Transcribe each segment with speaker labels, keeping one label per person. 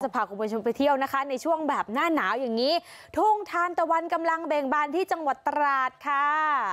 Speaker 1: จะพาคุณผู้ชมไปเที่ยวนะคะในช่วงแบบหน้าหนาวอย่างนี้ทุ่งทานตะวันกำลังเบ่งบานที่จังหวัดตราดค่ะ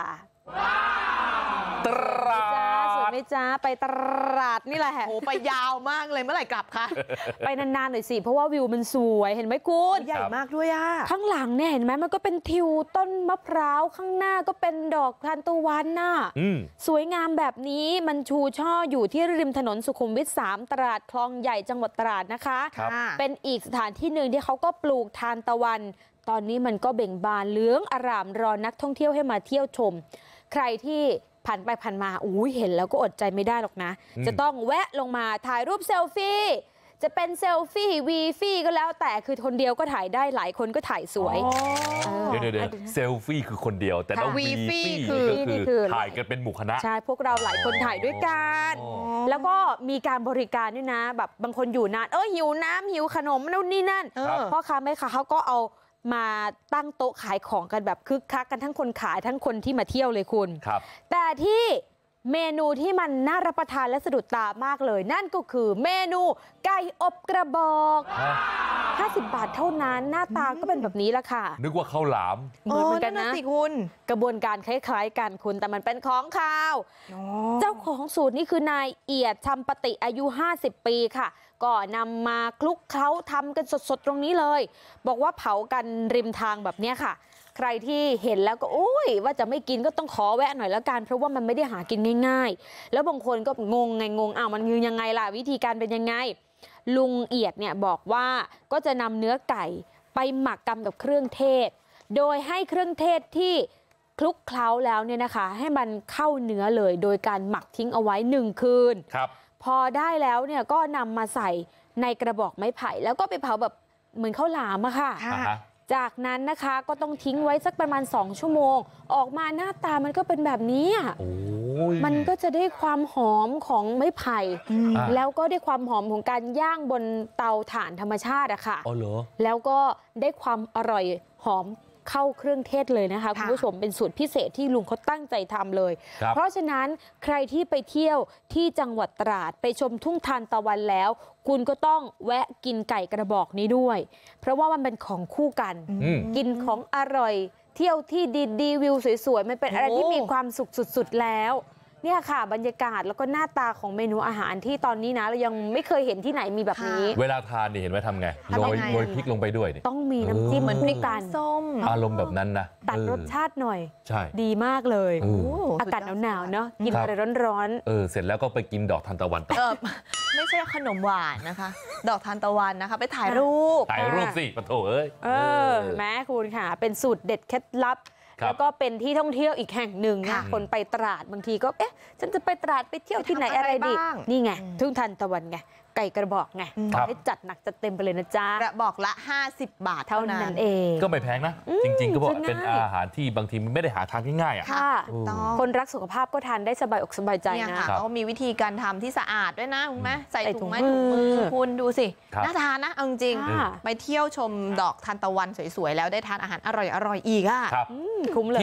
Speaker 2: ตราด
Speaker 1: สวยไหมจ๊ะไปตราดนี่แหละ
Speaker 3: โอ้ไปยาวมากเลยเมื่อไหร่กลับคะ
Speaker 1: ไปนานๆหน่อยสิเพราะว่าวิวมันสวยเห็นไหมคุณ
Speaker 3: ใหญ่มากด้วยอ่ะ
Speaker 1: ข้างหลังเนี่ยเห็นไหมมันก็เป็นทิวต้นมะพร้าวข้างหน้าก็เป็นดอกทานตะวันน่ะสวยงามแบบนี้มันชูช่ออยู่ที่ริมถนนสุขุมวิท3ตราดคลองใหญ่จังหวัดตราดนะคะเป็นอีกสถานที่หนึ่งที่เขาก็ปลูกทานตะวันตอนนี้มันก็เบ่งบานเหลืองอร่ามรอนักท่องเที่ยวให้มาเที่ยวชมใครที่ผ่านไปผ่านมาเห็นแล้วก็อดใจไม่ได้หรอกนะจะต้องแวะลงมาถ่ายรูปเซลฟี่จะเป็นเซลฟี่วีฟี่ก็แล้วแต่คือคนเดียวก็ถ่ายได้หลายคนก็ถ่ายสวย
Speaker 2: เดี๋ยวเซลฟี่คือคนเดียวแต่แล้ววีฟี่คือถ่ายกันเป็นหมู่คณะ
Speaker 1: ใช่พวกเราหลายคนถ่ายด้วยกันแล้วก็มีการบริการด้วยนะแบบบางคนอยู่นานหิวน้ำหิวขนมนู่นนี่นั่นพ่อค้าแม่ค้าเขาก็เอามาตั้งโต๊ะขายของกันแบบคึกคักกันทั้งคนขายทั้งคนที่มาเที่ยวเลยคุณแต่ที่เมนูที่มันน่ารับประทานและสะดุดตามากเลยนั่นก็คือเมนูไก่อบกระบอก50 บาทเท่านั้นหน้าตาก็เป็นแบบนี้ละค่ะ
Speaker 2: นึกว่าข้าวหลาม
Speaker 1: เหมือนกันนะสิคุณกระบวนการคล้ายๆกันคุณแต่มันเป็นของข้าวเจ้าของสูตรนี่คือนายเอียดชำปติอายุ50 ปีค่ะก็นำมาคลุกเคล้าทำกันสดๆตรงนี้เลยบอกว่าเผากันริมทางแบบนี้ค่ะใครที่เห็นแล้วก็ว่าจะไม่กินก็ต้องขอแวะหน่อยแล้วกันเพราะว่ามันไม่ได้หากินง่ายๆแล้วบางคนก็งงมันคือยังไงล่ะวิธีการเป็นยังไงลุงเอียดเนี่ยบอกว่าก็จะนำเนื้อไก่ไปหมักกับเครื่องเทศโดยให้เครื่องเทศที่คลุกเคล้าแล้วเนี่ยนะคะให้มันเข้าเนื้อเลยโดยการหมักทิ้งเอาไว้1 คืนพอได้แล้วเนี่ยก็นำมาใส่ในกระบอกไม้ไผ่แล้วก็ไปเผาแบบเหมือนข้าวหลามอะค่ะจากนั้นนะคะก็ต้องทิ้งไว้สักประมาณ2 ชั่วโมงออกมาหน้าตามันก็เป็นแบบนี้มันก็จะได้ความหอมของไม้ไผ่แล้วก็ได้ความหอมของการย่างบนเตาถ่านธรรมชาติอะค่ะแล้วก็ได้ความอร่อยหอมเข้าเครื่องเทศเลยนะคะคุณผู้ชมเป็นสูตรพิเศษที่ลุงเขาตั้งใจทำเลยเพราะฉะนั้นใครที่ไปเที่ยวที่จังหวัดตราดไปชมทุ่งทานตะวันแล้วคุณก็ต้องแวะกินไก่กระบอกนี้ด้วยเพราะว่ามันเป็นของคู่กันกินของอร่อยเที่ยวที่ดีวิวสวยๆมันเป็นอะไรที่มีความสุขสุดๆแล้วเนี่ยค่ะบรรยากาศแล้วก็หน้าตาของเมนูอาหารที่ตอนนี้นะเรายังไม่เคยเห็นที่ไหนมีแบบนี้
Speaker 2: เวลาทานนี่เห็นไหมทำไงโรยพริกลงไปด้วย
Speaker 1: ต้องมีน้ำจิ้มเหมือนพริกกันส้ม
Speaker 2: อารมณ์แบบนั้นนะ
Speaker 1: ตัดรสชาติหน่อย
Speaker 2: ใช่
Speaker 1: ดีมากเลยอากาศหนาวๆเนาะกินอะไรร้อน
Speaker 2: ๆเสร็จแล้วก็ไปกินดอกทานตะวันต่อ
Speaker 3: ไม่ใช่ขนมหวานนะคะดอกทานตะวันนะคะไปถ่ายรูป
Speaker 2: สิปะโถเอ้ย
Speaker 1: แม่คุณค่ะเป็นสูตรเด็ดเคล็ดลับแล้วก็เป็นที่ท่องเที่ยวอีกแห่งหนึ่งนะคนไปตราดบางทีก็ฉันจะไปตราดไปเที่ยวที่ไหนอะไรดีนี่ไงทุ่งทานตะวันไงไก่กระบอกไงให้จัดหนักจัดเต็มไปเลยนะจ๊ะ
Speaker 3: กระบอกละ50 บาทเท่านั้น
Speaker 1: เอง
Speaker 2: ก็ไม่แพงนะจริงๆก็บอกเป็นอาหารที่บางทีไม่ได้หาทานง่ายๆ
Speaker 1: คนรักสุขภาพก็ทานได้สบายอกสบายใจนะ
Speaker 3: เขามีวิธีการทำที่สะอาดด้วยนะคุณแม่ใส่ถุงไม้ถุงมือคุณดูสิน่าทานนะเอาจริงไปเที่ยวชมดอกทานตะวันสวยๆแล้วได้ทานอาหารอร่อยๆอีกคุ้
Speaker 1: มเลย